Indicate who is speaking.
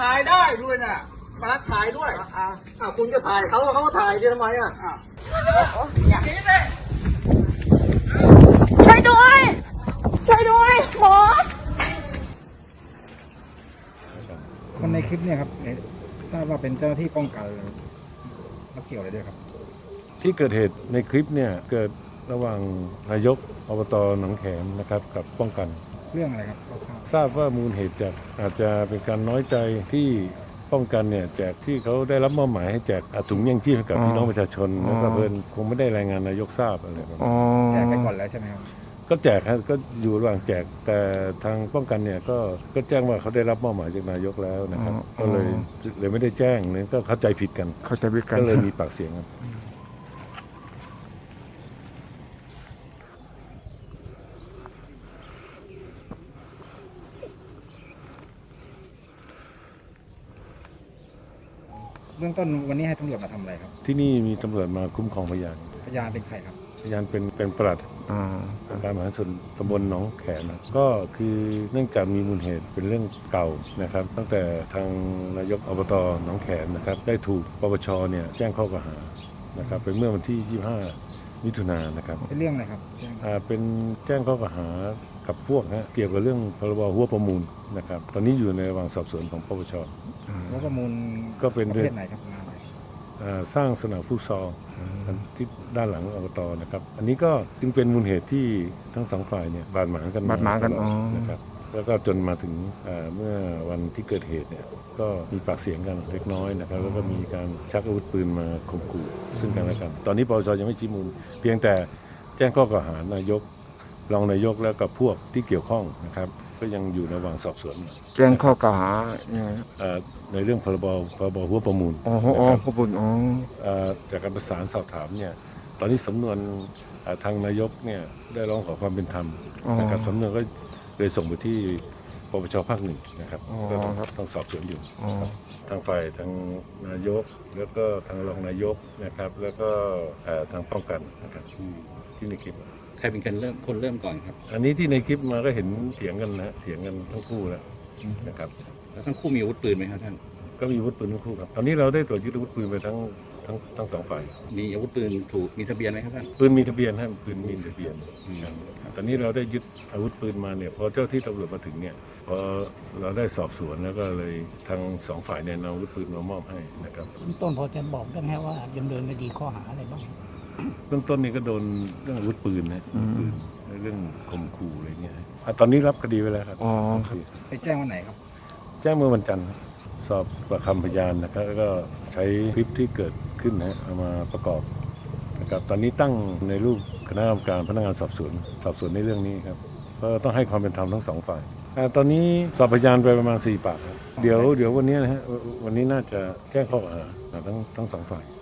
Speaker 1: ถ่ายได้ด้วยนะมารับถ่ายด้วยคุณก็ถ่ายเขาก็ถ่ายทำไมอย่างนี้เลย
Speaker 2: ช่วยด้วยหมอ
Speaker 3: คนในคลิปเนี่ยครับทราบว่าเป็นเจ้าหน้าที่ป้องกันแล้วเกี่ยวอะไรด้วยครับ
Speaker 4: ที่เกิดเหตุในคลิปเนี่ยเกิดระหว่างนายกอบต.หนองแขมนะครับกับป้องกัน
Speaker 3: เรื่องอะไรครับ
Speaker 4: ทราบว่ามูลเหตุจากอาจจะเป็นการน้อยใจที่ป้องกันเนี่ยแจกที่เขาได้รับมอบหมายให้แจกถุงยังชีพให้กับพี่น้องประชาชนแล้วก็เพิ่นคงไม่ได้รายงานนายกทราบอะไรแบบนี้
Speaker 3: แจกไปก่อนแล้วใช่ไหมครับ
Speaker 4: ก็แจกครับก็อยู่ระหว่างแจกแต่ทางป้องกันเนี่ยก็แจ้งว่าเขาได้รับมอบหมายจากนายกแล้วนะครับก็เลยไม่ได้แจ้งเนี่ยก็เข้าใจผิดกันก็เลยมีปากเสียงกัน
Speaker 3: เบื้องต้นวันนี้ให้ตำรวจมาทำอะไรครับ
Speaker 4: ที่นี่มีตำรวจมาคุ้มครองพยาน
Speaker 3: เป็นใครครับ
Speaker 4: พยานเป็นปลัดการมหาส่วนตำบลหนองแขมก็คือเนื่องจากมีมูลเหตุเป็นเรื่องเก่านะครับตั้งแต่ทางนายกอบต.หนองแขมนะครับได้ถูกปปช.เนี่ยแจ้งข้อกล่าวหานะครับเป็นเมื่อวันที่25 มิถุนายนนะครับ
Speaker 3: เป็นเรื่องอะไรครับ
Speaker 4: เป็นแจ้งข้อกล่าวหากับพวกเกี่ยวกับเรื่องพรบหัวประมูลนะครับตอนนี้อยู่ในระหว่างสอบสวนของปปช.
Speaker 3: หัวประมูล
Speaker 4: ก็เป็น
Speaker 3: ประเภทไหนครับ
Speaker 4: สร้างสนามฟุตซอลที่ด้านหลังอบต.นะครับอันนี้ก็จึงเป็นมูลเหตุที่ทั้งสองฝ่ายเนี่ยบาดหมางกันนะครับแล้วก็จนมาถึงเมื่อวันที่เกิดเหตุเนี่ยก็มีปากเสียงกันเล็กน้อยนะครับแล้วก็มีการชักอาวุธปืนมาข่มขู่ซึ่งกันและกันตอนนี้ปปช.ยังไม่ชี้มูลเพียงแต่แจ้งข้อกล่าวหานายกรองนายกแล้วกับพวกที่เกี่ยวข้องนะครับก็ยังอยู่ในระหว่างสอบสวน
Speaker 5: แจ้งข้อกล่าวหา
Speaker 4: ในเรื่องพรบหัวประมูล
Speaker 5: ประมูล
Speaker 4: จากการประสานสอบถามเนี่ยตอนนี้สำนวนทางนายกเนี่ยได้ร้องขอความเป็นธรรมนะครับสำนวนก็เลยส่งไปที่ปปช.ภาค 1นะครับก็ต้องสอบสวนอยู่ทางฝ่ายทางนายกแล้วก็ทางรองนายกนะครับแล้วก็ทางป้องกันนะครับที่ในคลิป
Speaker 1: ใครเป็นคนเริ่มก่อนครับ
Speaker 4: อันนี้ที่ในคลิปมาก็เห็นเถียงกันทั้งคู่แล้วนะครับ
Speaker 1: แล้วทั้งคู่มีอาวุธปืนไหมครับท่าน
Speaker 4: ก็มีอาวุธปืนทั้งคู่ครับตอนนี้เราได้ตรวจยึดอาวุธปืนไปทั้งสองฝ่าย
Speaker 1: มีอาวุธปืนมีทะเบียนไหมครับท่าน
Speaker 4: ปืนมีทะเบียนปืนมีทะเบียนตอนนี้เราได้ยึดอาวุธปืนมาเนี่ยพอเจ้าที่ตำรวจมาถึงเนี่ยพอเราได้สอบสวนแล้วก็เลยทั้งสองฝ่ายเนี่ยนำอาวุธปืนมามอบให้นะครับ
Speaker 6: ต้นพอจะบอกได้ไหมว่าดำเนินคดีข้อหาอะไรบ้าง
Speaker 4: เบื้องต้นนี่ก็โดนเรื่องอาวุธปืนเรื่องข่มขู่อะไรเงี้ยตอนนี้รับคดีไว้แล้วครับ
Speaker 3: ไปแจ้งวันไหนครับ
Speaker 4: แจ้งเมื่อวันจันทร์สอบปากคำพยานนะครับแล้วก็ใช้คลิปที่เกิดขึ้นเอามาประกอบนะครับตอนนี้ตั้งในรูปคณะกรรมการพนักงานสอบสวนในเรื่องนี้ครับก็ต้องให้ความเป็นธรรมทั้งสองฝ่ายตอนนี้สอบพยานไปประมาณ4 ปากครับเดี๋ยววันนี้วันนี้น่าจะแจ้งข้อกล่าวหาทั้งสองฝ่าย